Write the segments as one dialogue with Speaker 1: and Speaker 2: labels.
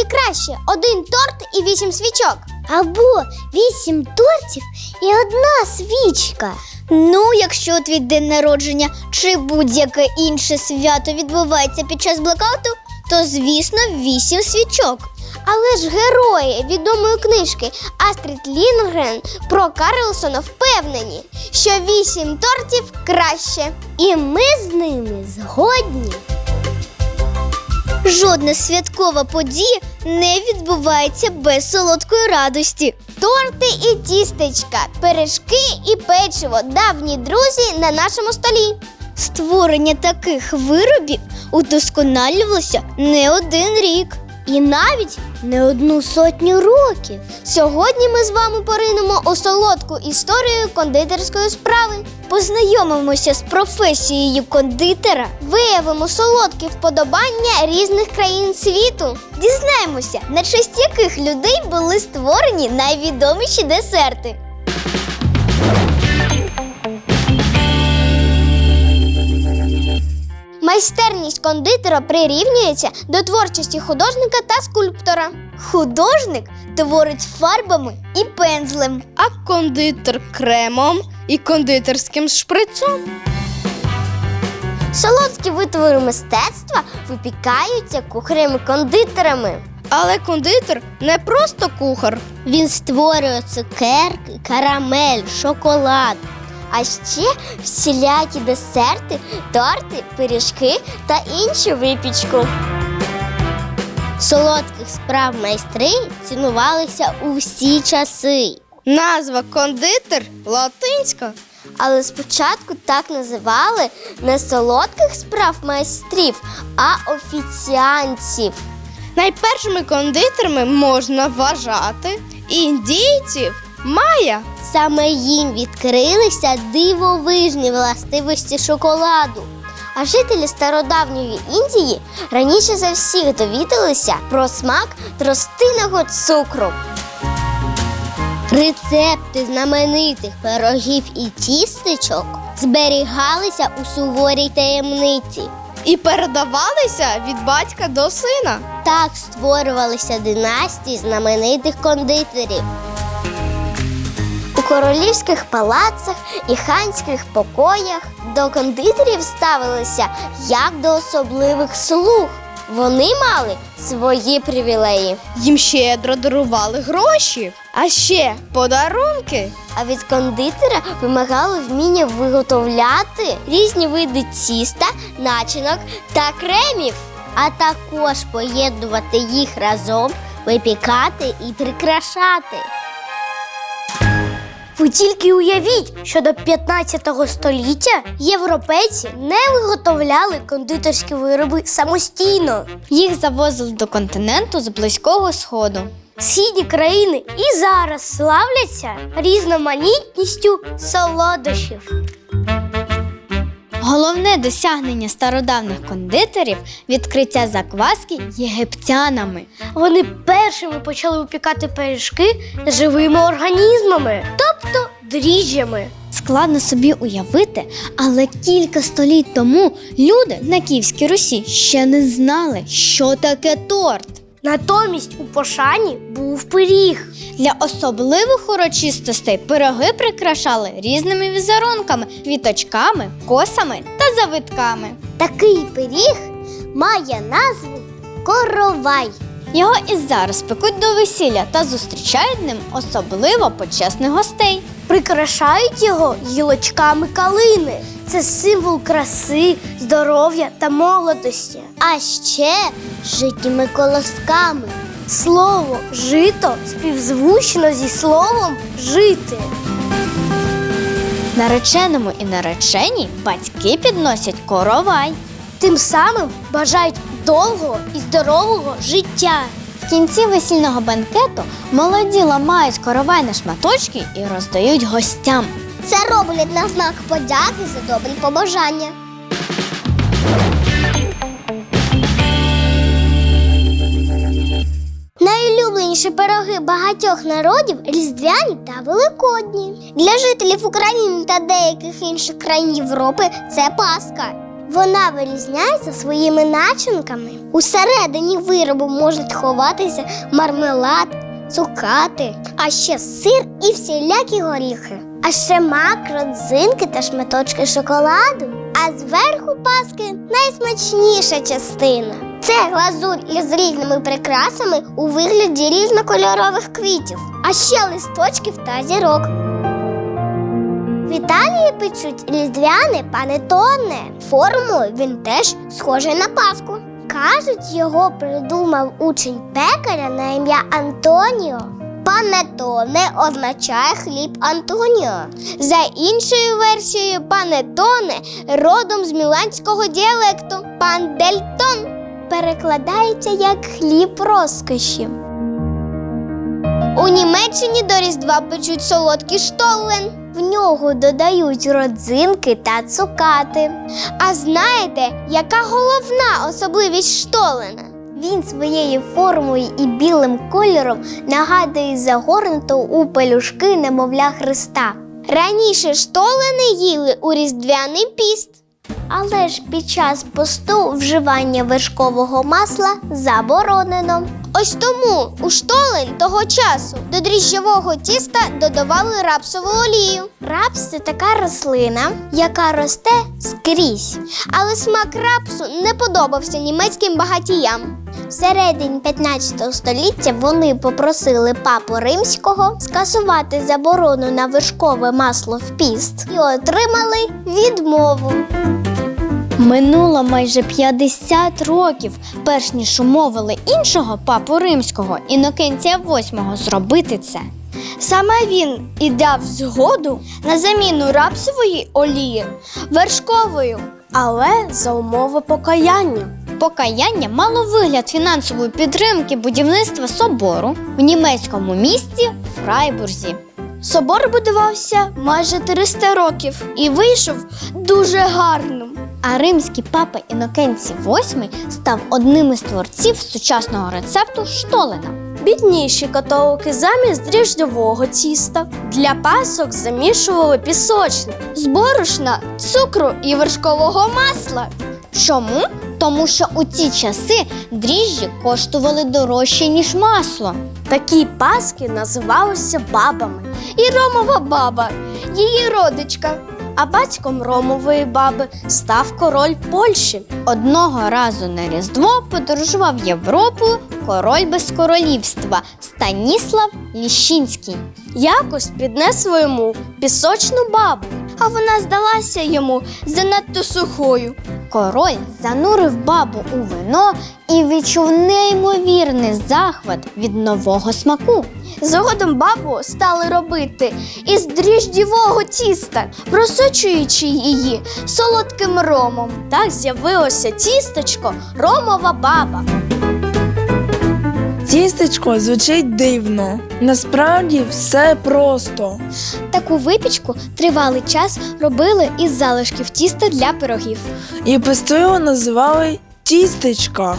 Speaker 1: краще? 1 торт і 8 свічок?
Speaker 2: Або 8 тортів і 1 свічка.
Speaker 3: Ну, якщо твій день народження чи будь-яке інше свято відбувається під час блекауту, то, звісно, 8 свічок.
Speaker 1: Але ж герої відомої книжки Астрід Лінгрен про Карлсона впевнені, що 8 тортів краще.
Speaker 2: І ми з ними згодні.
Speaker 3: Жодна святкова подія не відбувається без солодкої радості.
Speaker 1: Торти і тістечка, пиріжки і печиво – давні друзі на нашому столі.
Speaker 3: Створення таких виробів удосконалювалося не 1 рік.
Speaker 2: І навіть не 100 років.
Speaker 1: Сьогодні ми з вами поринемо у солодку історію кондитерської справи.
Speaker 3: Познайомимося з професією кондитера,
Speaker 1: Виявимо солодкі вподобання різних країн світу.
Speaker 3: дізнаємося, на честь яких людей були створені найвідоміші десерти.
Speaker 1: Майстерність кондитера прирівнюється до творчості художника та скульптора.
Speaker 3: Художник творить фарбами і пензлем,
Speaker 4: А кондитер кремом і кондитерським шприцом.
Speaker 1: Солодкі витвори мистецтва випікаються кухарями-кондитерами.
Speaker 4: Але кондитер не просто кухар.
Speaker 2: Він створює цукерки, карамель, шоколад.
Speaker 1: А ще всілякі десерти, торти, пиріжки та іншу випічку.
Speaker 2: Солодких справ майстри цінувалися у всі часи.
Speaker 4: Назва кондитер латинська.
Speaker 1: Але спочатку так називали не солодких справ майстрів, а офіціантів.
Speaker 4: Найпершими кондитерами можна вважати індійців майя.
Speaker 2: Саме їм відкрилися дивовижні властивості шоколаду.
Speaker 1: А жителі стародавньої Індії раніше за всіх довідалися про смак тростинного цукру.
Speaker 2: Рецепти знаменитих пирогів і тістечок зберігалися у суворій таємниці.
Speaker 4: І передавалися від батька до сина.
Speaker 2: Так створювалися династії знаменитих кондитерів.
Speaker 1: У королівських палацах і ханських покоях до кондитерів ставилися як до особливих слуг. Вони мали свої привілеї.
Speaker 4: Їм щедро дарували гроші, а ще подарунки.
Speaker 1: А від кондитера вимагали вміння виготовляти різні види тіста, начинок та кремів.
Speaker 2: А також поєднувати їх разом, випікати і прикрашати. Ви тільки уявіть, що до 15 століття європейці не виготовляли кондитерські вироби самостійно.
Speaker 3: Їх завозили до континенту з Близького Сходу.
Speaker 2: Східні країни і зараз славляться різноманітністю солодощів.
Speaker 3: Головне досягнення стародавніх кондитерів – відкриття закваски єгиптянами.
Speaker 2: Вони першими почали випікати пиріжки з живими організмами, тобто дріжджами.
Speaker 3: Складно собі уявити, але кілька століть тому люди на Київській Русі ще не знали, що таке торт.
Speaker 2: Натомість у пошані був пиріг.
Speaker 3: Для особливих урочистостей пироги прикрашали різними візерунками, квіточками, косами та завитками.
Speaker 2: Такий пиріг має назву коровай.
Speaker 3: Його і зараз пекуть до весілля та зустрічають ним особливо почесних гостей.
Speaker 2: Прикрашають його гілочками калини. Це символ краси, здоров'я та молодості. А ще житніми колосками. Слово «жито» співзвучно зі словом «жити».
Speaker 3: Нареченому і нареченій батьки підносять коровай.
Speaker 2: Тим самим бажають довгого і здорового життя.
Speaker 3: В кінці весільного банкету молоді ламають коровай на шматочки і роздають гостям.
Speaker 1: Це роблять на знак подяки за добрі побажання. Найулюбленіші пироги багатьох народів – різдвяні та великодні. Для жителів України та деяких інших країн Європи – це Пасха. Вона вирізняється своїми начинками. Усередині виробу можуть ховатися мармелад, цукати, а ще сир і всілякі горіхи. А ще мак, родзинки та шматочки шоколаду. А зверху паски найсмачніша частина. Це глазурь із різними прикрасами у вигляді різнокольорових квітів, а ще листочків та зірок. В Італії печуть різдвяне панеттоне. Формою він теж схожий на паску. Кажуть, його придумав учень пекаря на ім'я Антоніо. Панеттоне означає хліб Антоніо. За іншою версією, панеттоне родом з міланського діалекту пандельтон. Перекладається як хліб розкоші. У Німеччині до Різдва печуть солодкий штоллен. В нього додають родзинки та цукати. А знаєте, яка головна особливість штоллена? Він своєю формою і білим кольором нагадує загорнуту у пелюшки немовля Христа. Раніше штолени їли у різдвяний піст. Але ж під час посту вживання вершкового масла заборонено. Ось тому у штолен того часу до дріжджового тіста додавали рапсову олію. Рапс – це така рослина, яка росте скрізь. Але смак рапсу не подобався німецьким багатіям. Всередині 15 століття вони попросили папу Римського скасувати заборону на вершкове масло в піст і отримали відмову.
Speaker 3: Минуло майже 50 років, перш ніж умовили іншого папу Римського, Інокентія VIII, зробити це.
Speaker 2: Саме він і дав згоду на заміну рапсової олії вершковою, але за умови покаяння.
Speaker 3: Покаяння мало вигляд фінансової підтримки будівництва собору в німецькому місті Фрайбурзі.
Speaker 2: Собор будувався майже 300 років і вийшов дуже гарним.
Speaker 3: А римський папа Інокентій VIII став одним із творців сучасного рецепту штолена.
Speaker 2: Бідніші католики замість дріжджового тіста для пасок замішували пісочник з борошна, цукру і вершкового масла.
Speaker 3: Чому? Тому що у ті часи дріжджі коштували дорожче, ніж масло.
Speaker 2: Такі паски називалися бабами. І Ромова баба, її родичка. А батьком Ромової баби став король Польщі.
Speaker 3: Одного разу на Різдво подорожував Європою король без королівства Станіслав Ліщинський.
Speaker 2: Якось піднесло йому пісочну бабу, а вона здалася йому занадто сухою.
Speaker 3: Король занурив бабу у вино і відчув неймовірний захват від нового смаку.
Speaker 2: Згодом бабу стали робити із дріжджового тіста, просочуючи її солодким ромом. Так з'явилося тістечко Ромова баба.
Speaker 5: Тістечко звучить дивно. Насправді все просто.
Speaker 2: Таку випічку тривалий час робили із залишків тіста для пирогів.
Speaker 5: І песту його називали тістечка.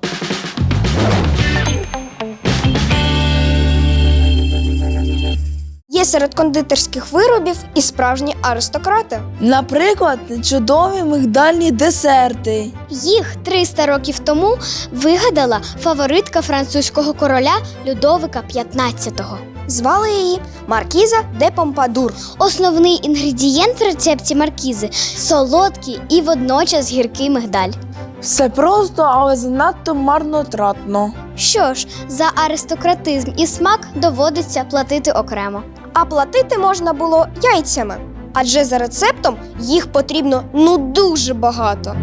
Speaker 2: Є серед кондитерських виробів і справжні аристократи.
Speaker 5: Наприклад, чудові мигдальні десерти.
Speaker 2: Їх 300 років тому вигадала фаворитка французького короля Людовика XV. Звали її Маркіза де Помпадур. Основний інгредієнт в рецепті маркізи – солодкий і водночас гіркий мигдаль.
Speaker 5: Все просто, але занадто марнотратно.
Speaker 2: Що ж, за аристократизм і смак доводиться платити окремо. А платити можна було яйцями, адже за рецептом їх потрібно дуже багато.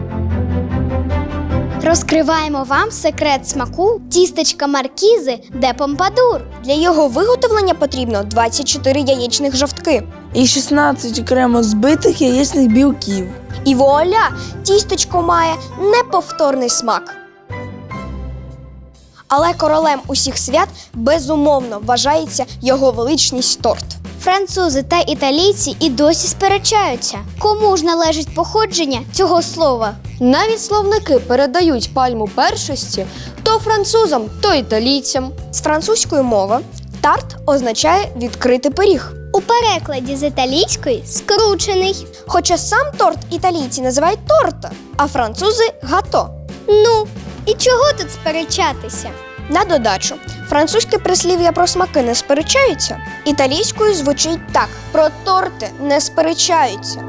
Speaker 2: Розкриваємо вам секрет смаку тістечка маркізи де Помпадур. Для його виготовлення потрібно 24 яєчних жовтки.
Speaker 5: І 16 окремо збитих яєчних білків.
Speaker 2: І вуаля! Тістечко має неповторний смак. Але королем усіх свят безумовно вважається його величність торт. Французи та італійці і досі сперечаються, кому ж належить походження цього слова. Навіть словники передають пальму першості то французам, то італійцям. З французької мови тарт означає відкритий пиріг. У перекладі з італійської скручений.
Speaker 4: Хоча сам торт італійці називають торта, а французи гато.
Speaker 2: Ну, і чого тут сперечатися?
Speaker 4: На додачу, французьке прислів'я про смаки не сперечаються, італійською звучить так: про торти не сперечаються.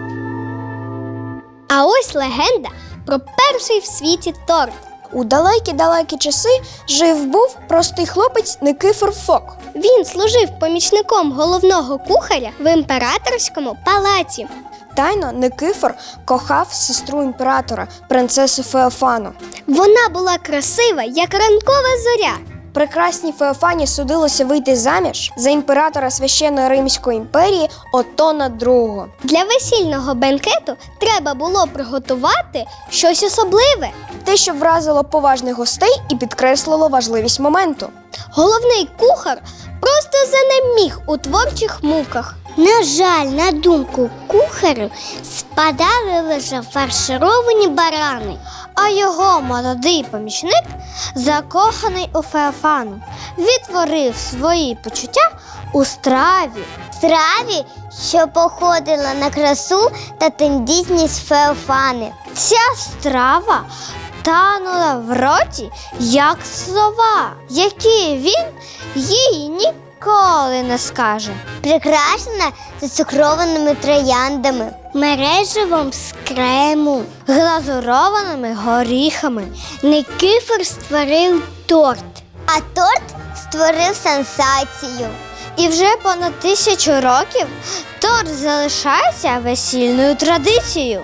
Speaker 2: А ось легенда про перший в світі торт.
Speaker 4: У далекі-далекі часи жив-був простий хлопець Никифор Фок.
Speaker 2: Він служив помічником головного кухаря в імператорському палаці.
Speaker 4: Тайно Никифор кохав сестру імператора, принцесу Феофану.
Speaker 2: Вона була красива, як ранкова зоря.
Speaker 4: Прекрасній Феофані судилося вийти заміж за імператора Священної Римської імперії Отона II.
Speaker 2: Для весільного бенкету треба було приготувати щось особливе.
Speaker 4: Те, що вразило поважних гостей і підкреслило важливість моменту.
Speaker 2: Головний кухар просто занеміг у творчих муках.
Speaker 1: На жаль, на думку кухарю, спадали лише фаршировані барани.
Speaker 3: А його молодий помічник, закоханий у Феофану, відтворив свої почуття у страві.
Speaker 1: Страві, що походила на красу та тендітність Феофани.
Speaker 3: Ця страва танула в роті, як слова, які він їй ніколи не скаже.
Speaker 1: Прикрашена зацукрованими трояндами, мереживом з крему.
Speaker 3: Глазурованими горіхами.
Speaker 1: Никифор створив торт, а торт створив сенсацію.
Speaker 3: І вже понад 1000 років торт залишається весільною традицією.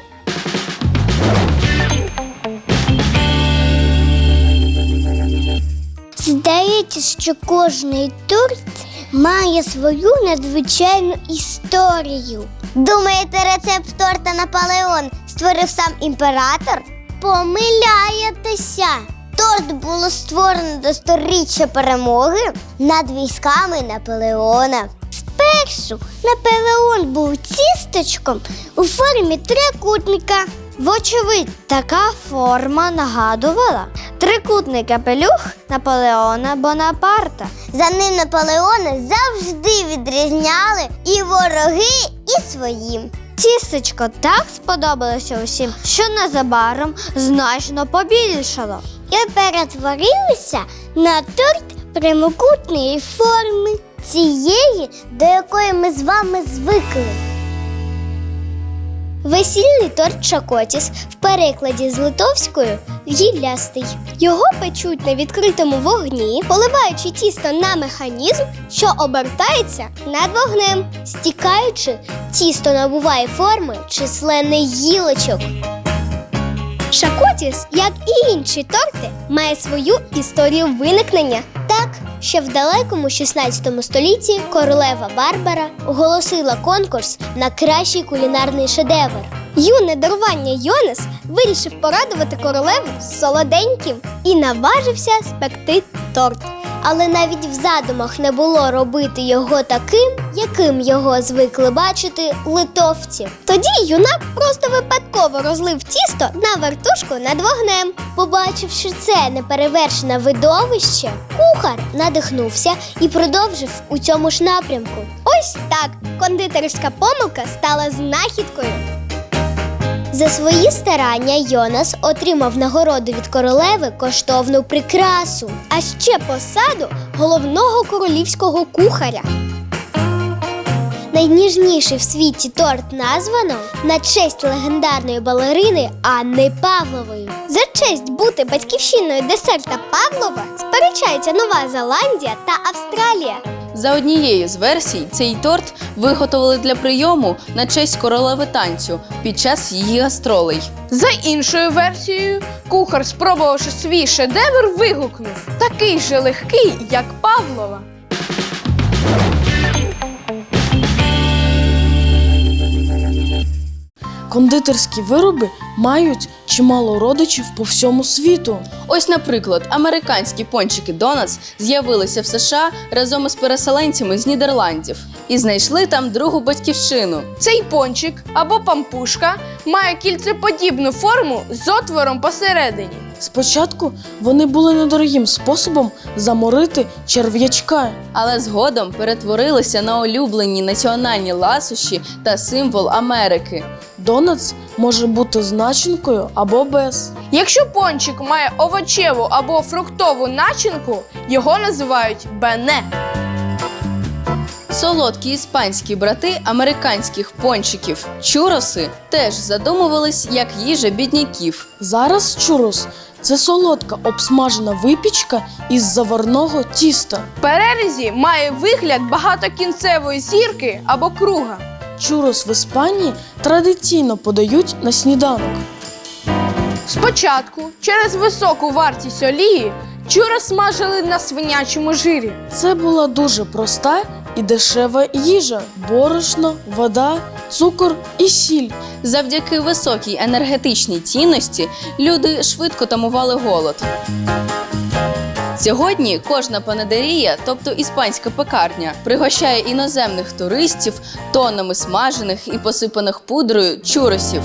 Speaker 1: Здається, що кожний торт має свою надзвичайну історію. Думаєте, рецепт торта Наполеон створив сам імператор? Помиляєтеся! Торт було створено до 100-річчя перемоги над військами Наполеона. Спершу Наполеон був тістечком у формі трикутника.
Speaker 3: Вочевидь, така форма нагадувала трикутний капелюх Наполеона Бонапарта.
Speaker 1: За ним Наполеона завжди відрізняли і вороги, і свої.
Speaker 3: Тістечко так сподобалося усім, що незабаром значно побільшало.
Speaker 1: І перетворилися на торт прямокутної форми, цієї, до якої ми з вами звикли.
Speaker 2: Весільний торт Шакотіс в перекладі з литовською гіллястий. Його печуть на відкритому вогні, поливаючи тісто на механізм, що обертається над вогнем. Стікаючи, тісто набуває форми численних гілочок. Шакотіс, як і інші торти, має свою історію виникнення. Так, ще в далекому 16 столітті королева Барбара оголосила конкурс на кращий кулінарний шедевр. Юне дарування Йонас вирішив порадувати королеву солоденьким і наважився спекти торт. Але навіть в задумах не було робити його таким, яким його звикли бачити литовці. Тоді юнак просто випадково розлив тісто на вертушку над вогнем. Побачивши це неперевершене видовище, кухар надихнувся і продовжив у цьому ж напрямку. Ось так кондитерська помилка стала знахідкою. За свої старання Йонас отримав нагороду від королеви коштовну прикрасу, а ще посаду головного королівського кухаря. Найніжніший в світі торт названо на честь легендарної балерини Анни Павлової. За честь бути батьківщиною десерта Павлова сперечаються Нова Зеландія та Австралія.
Speaker 6: За однією з версій, цей торт виготовили для прийому на честь королеви танцю під час її гастролей.
Speaker 7: За іншою версією, кухар, спробувавши свій шедевр, вигукнув: «Такий же легкий, як Павлова».
Speaker 5: Кондитерські вироби мають чимало родичів по всьому світу.
Speaker 6: Ось, наприклад, американські пончики Донатс з'явилися в США разом із переселенцями з Нідерландів і знайшли там другу батьківщину.
Speaker 7: Цей пончик або пампушка має кільцеподібну форму з отвором посередині.
Speaker 5: Спочатку вони були недорогим способом заморити черв'ячка.
Speaker 6: Але згодом перетворилися на улюблені національні ласощі та символ Америки.
Speaker 5: Донатс може бути з начинкою або без.
Speaker 7: Якщо пончик має овочеву або фруктову начинку, його називають бене.
Speaker 6: Солодкі іспанські брати американських пончиків чуроси теж задумувались як їжа бідняків.
Speaker 5: Зараз чурос – це солодка обсмажена випічка із заварного тіста.
Speaker 7: В перерізі має вигляд багатокінцевої зірки або круга.
Speaker 5: Чурос в Іспанії традиційно подають на сніданок.
Speaker 7: Спочатку, через високу вартість олії, чурос смажили на свинячому жирі.
Speaker 5: Це була дуже проста і дешева їжа – борошно, вода, цукор і сіль.
Speaker 6: Завдяки високій енергетичній цінності люди швидко тамували голод. Сьогодні кожна панадерія, тобто іспанська пекарня, пригощає іноземних туристів тоннами смажених і посипаних пудрою чуросів.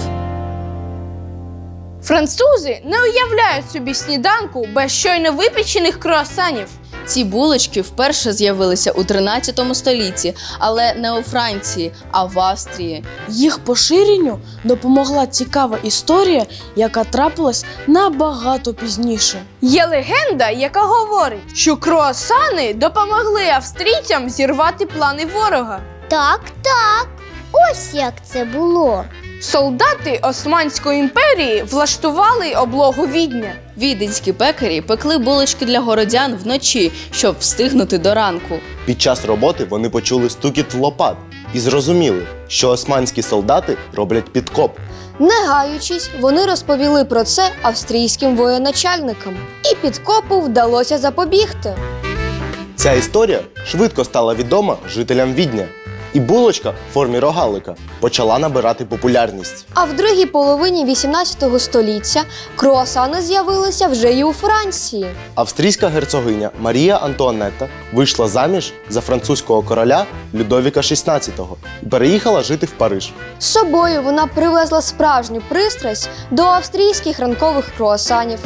Speaker 7: Французи не уявляють собі сніданку без щойно випечених круасанів.
Speaker 6: Ці булочки вперше з'явилися у 13 столітті, але не у Франції, а в Австрії.
Speaker 5: Їх поширенню допомогла цікава історія, яка трапилась набагато пізніше.
Speaker 7: Є легенда, яка говорить, що круасани допомогли австрійцям зірвати плани ворога.
Speaker 1: Так. Ось як це було.
Speaker 7: Солдати Османської імперії влаштували облогу Відня.
Speaker 6: Віденські пекарі пекли булочки для городян вночі, щоб встигнути до ранку.
Speaker 8: Під час роботи вони почули стукіт лопат і зрозуміли, що османські солдати роблять підкоп.
Speaker 4: Не гаючись, вони розповіли про це австрійським воєначальникам. І підкопу вдалося запобігти.
Speaker 8: Ця історія швидко стала відома жителям Відня. І булочка в формі рогалика почала набирати популярність.
Speaker 4: А в другій половині 18 століття круасани з'явилися вже і у Франції.
Speaker 8: Австрійська герцогиня Марія Антуанетта вийшла заміж за французького короля Людовіка XVI і переїхала жити в Париж.
Speaker 4: З собою вона привезла справжню пристрасть до австрійських ранкових круасанів.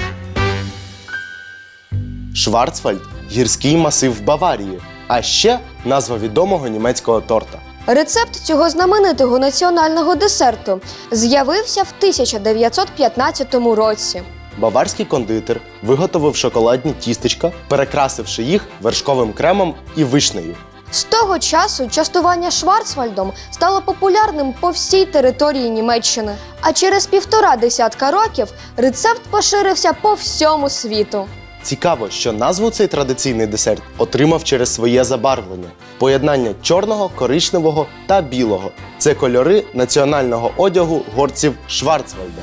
Speaker 8: Шварцвальд – гірський масив в Баварії, а ще назва відомого німецького торта.
Speaker 4: Рецепт цього знаменитого національного десерту з'явився в 1915 році.
Speaker 8: Баварський кондитер виготовив шоколадні тістечка, перекрасивши їх вершковим кремом і вишнею.
Speaker 4: З того часу частування Шварцвальдом стало популярним по всій території Німеччини. А через 1,5 десятка років рецепт поширився по всьому світу.
Speaker 8: Цікаво, що назву цей традиційний десерт отримав через своє забарвлення – поєднання чорного, коричневого та білого. Це кольори національного одягу горців Шварцвальда.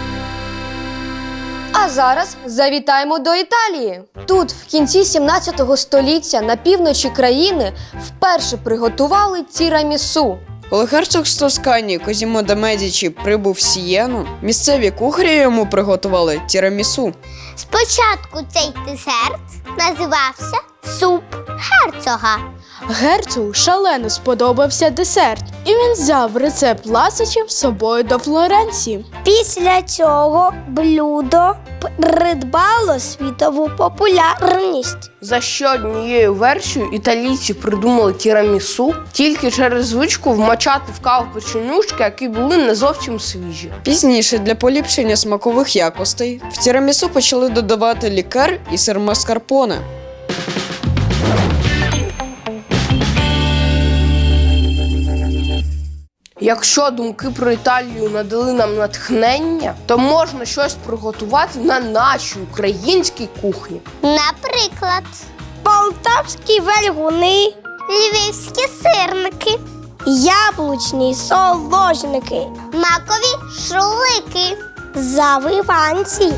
Speaker 4: А зараз завітаємо до Італії. Тут в кінці 17 століття на півночі країни вперше приготували тірамісу.
Speaker 9: Коли герцог з Тоскані Козімо де Медічі прибув в Сієну, місцеві кухарі йому приготували тірамісу.
Speaker 1: Спочатку цей десерт називався суп герцога.
Speaker 7: Герцогу шалено сподобався десерт, і він взяв рецепт ласощів з собою до Флоренції.
Speaker 1: Після цього блюдо придбало світову популярність.
Speaker 10: За ще однією версією італійці придумали тірамісу тільки через звичку вмочати в каву печенюшки, які були не зовсім свіжі.
Speaker 9: Пізніше для поліпшення смакових якостей в тірамісу почали додавати лікер і сир маскарпоне.
Speaker 10: Якщо думки про Італію надали нам натхнення, то можна щось приготувати на нашій українській кухні.
Speaker 1: Наприклад, полтавські вельгуни, львівські сирники, яблучні соложники, макові шулики, завиванці.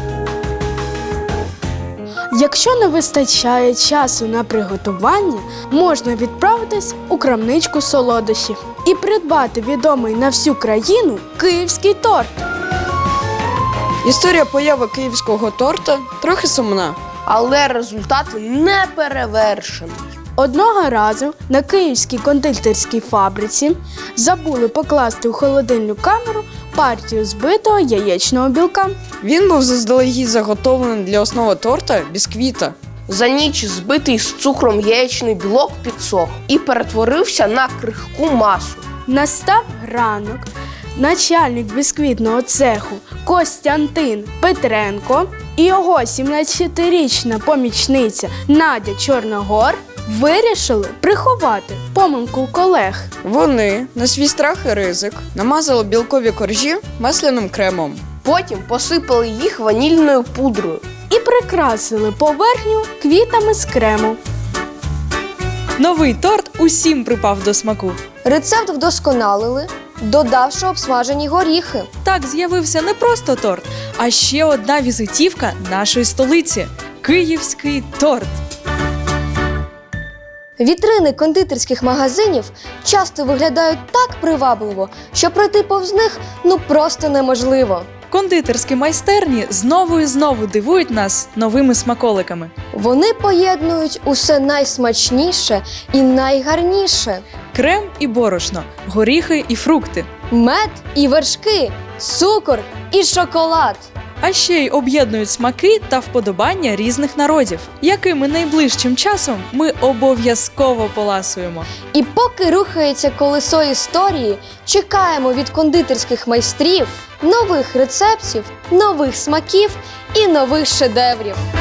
Speaker 7: Якщо не вистачає часу на приготування, можна відправитись у крамничку солодощів і придбати відомий на всю країну київський торт.
Speaker 9: Історія появи київського торта трохи сумна.
Speaker 10: Але результат неперевершений.
Speaker 7: Одного разу на київській кондитерській фабриці забули покласти у холодильну камеру партію збитого яєчного білка.
Speaker 9: Він був заздалегідь заготовлений для основи торта бісквіта.
Speaker 10: За ніч збитий з цукром яєчний білок підсох і перетворився на крихку масу.
Speaker 7: Настав ранок. Начальник бісквітного цеху Костянтин Петренко і його 17-річна помічниця Надя Чорногор вирішили приховати помилку колег.
Speaker 9: Вони на свій страх і ризик намазали білкові коржі масляним кремом.
Speaker 10: Потім посипали їх ванільною пудрою.
Speaker 7: І прикрасили поверхню квітами з крему.
Speaker 11: Новий торт усім припав до смаку.
Speaker 4: Рецепт вдосконалили, додавши обсмажені горіхи.
Speaker 11: Так з'явився не просто торт, а ще одна візитівка нашої столиці – київський торт.
Speaker 4: Вітрини кондитерських магазинів часто виглядають так привабливо, що пройти повз них просто неможливо.
Speaker 11: Кондитерські майстерні знову і знову дивують нас новими смаколиками.
Speaker 4: Вони поєднують усе найсмачніше і найгарніше.
Speaker 11: Крем і борошно, горіхи і фрукти.
Speaker 4: Мед і вершки, цукор і шоколад.
Speaker 11: А ще й об'єднують смаки та вподобання різних народів, якими найближчим часом ми обов'язково поласуємо.
Speaker 4: І поки рухається колесо історії, чекаємо від кондитерських майстрів нових рецептів, нових смаків і нових шедеврів.